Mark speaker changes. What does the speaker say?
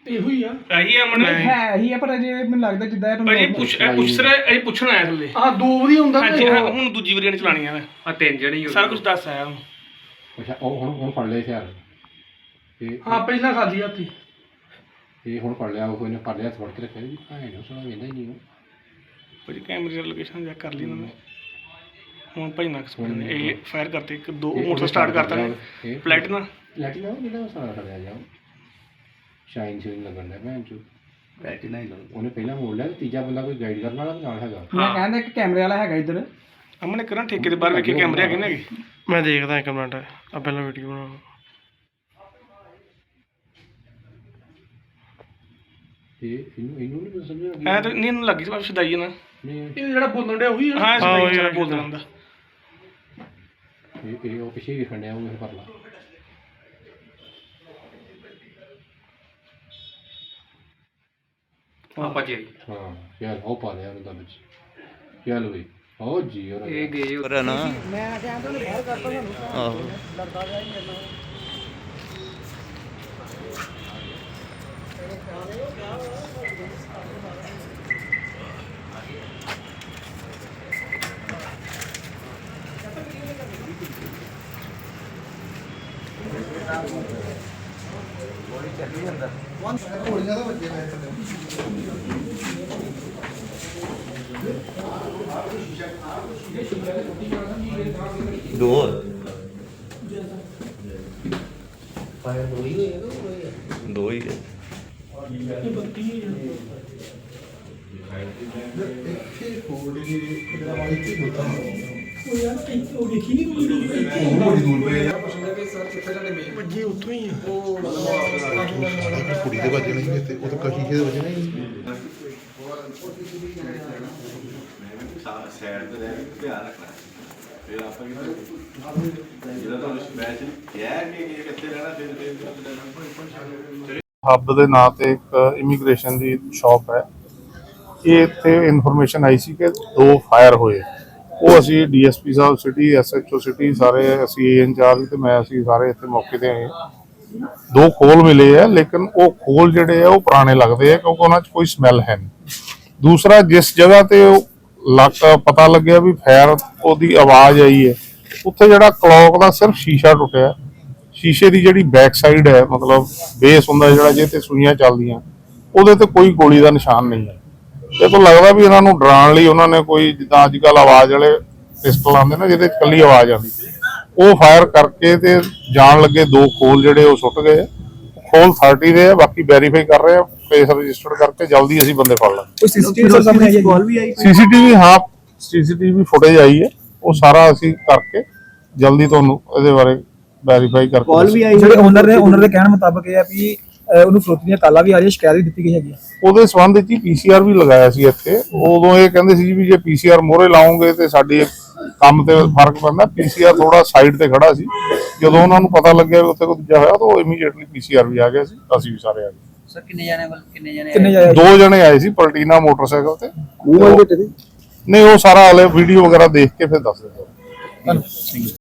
Speaker 1: ਇਹੋ ਹੀ ਆ
Speaker 2: ਇਹੀ ਆ ਮਨ
Speaker 3: ਹੈ ਹੀ ਆ ਪਰ ਅਜੇ ਮੈਨੂੰ ਲੱਗਦਾ ਜਿੱਦਾਂ
Speaker 2: ਭਾਜੀ ਪੁੱਛਣਾ ਆਇਆ ਥੱਲੇ
Speaker 1: ਆਹ 2 ਵਾਰੀ ਹੁੰਦਾ
Speaker 2: ਹਾਂਜੀ ਹੁਣ ਦੂਜੀ ਵਾਰੀ ਚਲਾਣੀ ਆ
Speaker 4: ਆ 3 ਜਣੇ
Speaker 2: ਸਾਰਾ ਕੁਝ ਦੱਸ ਆਇਆ ਹੁਣ
Speaker 5: ਅੱਛਾ ਉਹ ਹੁਣ ਫੜ ਲਿਆ ਹਥਿਆਰ ਤੇ
Speaker 1: ਹਾਂ ਪਹਿਲਾਂ ਖਾਲੀ ਹੱਥੀ
Speaker 5: ਇਹ ਹੁਣ ਫੜ ਲਿਆ ਉਹ ਇਹਨੇ ਫੜ ਲਿਆ ਫੜ ਕੇ ਰੱਖਿਆ ਜੀ ਭਾਵੇਂ ਨਾ ਸੁਣਾ ਵੇਂਦਾ ਹੀ ਨਹੀਂ
Speaker 2: ਭਾਜੀ ਕੈਮਰੇ ਦੀ ਲੋਕੇਸ਼ਨ ਚੈੱਕ ਕਰ ਲਈ ਉਹਨਾਂ ਨੇ ਹੁਣ ਭਾਈ ਨਾ ਐਕਸਪਲੇਨ ਨੇ ਇਹ ਫਾਇਰ ਕਰਤੇ ਇੱਕ ਦੋ ਮੋਟਰ ਸਟਾਰਟ ਕਰਤਾ ਨੇ ਪਲੈਟੀਨਾ
Speaker 5: ਲੈਟਿਨਾ ਜਿਹੜਾ ਸਾਰਾ ਖੜਿਆ ਜਾ ਸ਼ਾਈਨ ਸ਼ਾਈਨ ਲੱਗਣ ਦਾ ਭੈਣ ਚੋ
Speaker 4: ਬੈਟਰੀ ਨਹੀਂ
Speaker 5: ਉਹਨੇ ਪਹਿਲਾਂ ਮੋੜ ਲਿਆ ਤੀਜਾ ਬੰਦਾ ਕੋਈ ਗਾਈਡ ਕਰਨ ਵਾਲਾ ਨਾਲ ਹੈਗਾ
Speaker 3: ਮੈਂ ਕਹਿੰਦਾ ਇੱਕ ਕੈਮਰੇ ਵਾਲਾ ਹੈਗਾ ਇੱਧਰ
Speaker 2: ਅਮਨੇ ਕਰਾਂ ਠੇਕੇ ਦੇ ਬਾਹਰ ਵੇਖੇ ਕੈਮਰੇ ਹੈਗੇ ਨੇ
Speaker 6: ਮੈਂ ਦੇਖਦਾ ਇੱਕ ਮਿੰਟ ਆ ਪਹਿਲਾਂ ਵੀਡੀਓ ਬਣਾਉਣਾ
Speaker 5: ਇਹਨੂੰ ਨਹੀਂ ਸਮਝ
Speaker 2: ਐ ਤਾਂ ਨਹੀਂ ਇਹਨੂੰ ਲੱਗੀ ਸੀ ਸ਼ਦਾਈ ਨਾ
Speaker 1: ਇਹ ਜਿਹੜਾ ਬੋਲਣ ਡਿਆ ਉਹੀ ਆ
Speaker 2: ਹਾਂ ਸ਼ਦਾਈ ਜਿਹੜਾ ਬੋਲਦਾ ਹੁੰਦਾ
Speaker 5: ਇਹ ਉਹ ਪਿੱਛੇ ਵੀ ਖੰਡਿਆ ਉਹ ਪਰ ਲਾ
Speaker 4: ਆਪਾਂ ਜੀ
Speaker 5: ਹਾਂ ਯਾਰ ਉਹ ਪਾ ਲਿਆ ਉਹਨੂੰ ਤਾਂ ਵਿੱਚ ਚੱਲ ਬਈ ਉਹ ਜੀ ਉਹ
Speaker 4: ਇਹ ਗਏ ਹੋਰ ਨਾ
Speaker 3: ਮੈਂ ਕਹਿੰਦਾ ਉਹਨੇ ਬਾਹਰ ਕਰਤਾ ਸਾਨੂੰ
Speaker 4: ਆਹੋ
Speaker 3: ਲੜਦਾ ਗਿਆ ਹੀ ਮੈਨੂੰ
Speaker 4: ਦੋ ਦੋ ਹੀ
Speaker 1: ਵੱਜੀ ਉੱਥੋਂ ਹੀ ਆ
Speaker 7: ਕੁੜੀ ਦੇ ਵੱਜਣੇ ਸੀ ਤੇ ਉਹ ਤਾਂ ਕਸ਼ੀ ਦੇ ਵੱਜਣੇ ਸੀ
Speaker 8: ਸਾਈਡ ਤੇ ਰਹਿ ਕੇ ਧਿਆਨ ਰੱਖਣਾ ਫਿਰ ਆਪਾਂ ਜਿਹੜਾ ਤੁਹਾਨੂੰ ਮੈਚ ਕਿਹਾ ਕਿ ਇਹ ਕਿੱਥੇ ਰਹਿਣਾ ਫਿਰ
Speaker 7: ਹੱਬ ਦੇ ਨਾਂ ਤੇ ਇੱਕ ਇਮੀਗ੍ਰੇਸ਼ਨ ਦੀ ਸ਼ਾਪ ਹੈ ਇਹ ਇੱਥੇ ਇਨਫੋਰਮੇਸ਼ਨ ਆਈ ਸੀ ਕਿ 2 ਫਾਇਰ ਹੋਏ ਉਹ ਅਸੀਂ ਡੀਐਸਪੀ ਸਾਹਿਬ ਸਿਟੀ ਐਸਐਚਓ ਸਿਟੀ ਸਾਰੇ ਅਸੀਂ ਇੰਚਾਰਜ ਤੇ ਮੈਂ ਅਸੀਂ ਸਾਰੇ ਇੱਥੇ ਮੌਕੇ ਤੇ ਆਏ 2 ਖੋਲ ਮਿਲੇ ਆ ਲੇਕਿਨ ਉਹ ਖੋਲ ਜਿਹੜੇ ਆ ਉਹ ਪੁਰਾਣੇ ਲੱਗਦੇ ਆ ਕਿਉਂਕਿ ਉਹਨਾਂ 'ਚ ਕੋਈ ਸਮੈਲ ਹੈ ਨਹੀਂ ਦੂਸਰਾ ਜਿਸ ਜਗ੍ਹਾ ਤੇ ਉਹ ਪਤਾ ਲੱਗਿਆ ਵੀ ਫਾਇਰ ਉਹਦੀ ਆਵਾਜ਼ ਆਈ ਹੈ ਉੱਥੇ ਜਿਹੜਾ ਕਲੌਕ ਦਾ ਸਿਰਫ ਸ਼ੀਸ਼ਾ ਟੁੱਟਿਆ ਸ਼ੀਸ਼ੇ ਦੀ ਜਿਹੜੀ ਬੈਕ ਸਾਈਡ ਹੈ ਮਤਲਬ ਬੇਸ ਹੁੰਦਾ ਜਿਹੜਾ ਜਿਹਦੇ ਤੇ ਸੂਈਆਂ ਚੱਲਦੀਆਂ ਉਹਦੇ ਤੇ ਕੋਈ ਗੋਲੀ ਦਾ ਨਿਸ਼ਾਨ ਨਹੀਂ ਹੈ ਇਹ ਤੋਂ ਲੱਗਦਾ ਵੀ ਇਹਨਾਂ ਨੂੰ ਡਰਾਉਣ ਲਈ ਉਹਨਾਂ ਨੇ ਕੋਈ ਜਿੱਦਾਂ ਅੱਜ ਕੱਲ੍ਹ ਆਵਾਜ਼ ਵਾਲੇ ਪਿਸਟਲ ਆਉਂਦੇ ਨਾ ਜਿਹਦੇ ਇਕੱਲੀ ਆਵਾਜ਼ ਆਉਂਦੀ ਉਹ ਫਾਇਰ ਕਰਕੇ ਤੇ ਜਾਣ ਲੱਗੇ 2 ਖੋਲ ਜਿਹੜੇ ਉਹ ਸੁੱਟ ਗਏ ਖੋਲ 30 ਦੇ ਆ ਬਾਕੀ ਵੈਰੀਫਾਈ ਕਰ ਰਹੇ ਆ ਕੇਸ ਰਜਿਸਟਰ ਕਰਕੇ ਜਲਦੀ ਅਸੀਂ ਬੰਦੇ ਫੜ ਲਾਂਗੇ ਸੀਸੀਟੀਵੀ ਫੁਟੇਜ ਆਈ ਹੈ ਉਹ ਸਾਰਾ ਅਸੀਂ ਕਰਕੇ ਜਲਦੀ ਤੁਹਾਨੂੰ ਇਹਦੇ ਬਾਰੇ ਵੈਰੀਫਾਈ ਕਰਕੇ
Speaker 3: ਕਾਲ ਵੀ ਆਈ ਜਿਹੜੇ ਓਨਰ ਦੇ ਕਹਿਣ ਮੁਤਾਬਕ ਇਹ ਆ ਵੀ ਉਹਨੂੰ ਫਰੋਤੀ ਦੀਆਂ ਕਾਲਾਂ ਵੀ ਆ ਰਹੀਆਂ ਸ਼ਿਕਾਇਤ ਵੀ ਦਿੱਤੀ ਗਈ ਹੈਗੀ
Speaker 7: ਉਹਦੇ ਸੰਬੰਧ ਵਿੱਚ ਹੀ ਪੀਸੀਆਰ ਵੀ ਲਗਾਇਆ ਸੀ ਇੱਥੇ ਉਦੋਂ ਇਹ ਕਹਿੰਦੇ ਸੀ ਵੀ ਜੇ ਪੀਸੀਆਰ ਮੋਹਰੇ ਲਾਉਂਗੇ ਤੇ ਸਾਡੇ ਕੰਮ ਤੇ ਫਰਕ ਪੈਂਦਾ ਪੀਸੀਆਰ ਥੋੜਾ ਸਾਈਡ ਤੇ ਖੜਾ ਸੀ ਜਦੋਂ ਉਹਨਾਂ ਨੂੰ ਪਤਾ ਲੱਗਿਆ ਉੱਥੇ ਕੋਈ ਦੂਜਾ ਹੋਇਆ ਤਾਂ ਉਹ ਇਮੀਡੀਏਟਲੀ ਪੀਸੀਆਰ ਵੀ ਆ ਗਿਆ ਸੀ ਅਸੀਂ ਵੀ ਸਾਰੇ ਆ ਗਏ
Speaker 4: ਸਰ ਕਿੰਨੇ ਜਾਣੇ
Speaker 7: 2 ਜਣੇ ਆਏ ਸੀ ਪਲਟੀਨਾ ਮੋਟਰਸਾਈਕਲ ਤੇ ਨਹੀਂ ਉਹ ਸਾਰਾ ਹਲੇ ਵੀਡੀਓ ਵਗੈਰਾ ਦੇਖ ਕੇ ਫਿਰ ਦੱਸ ਦਿੰਦੇ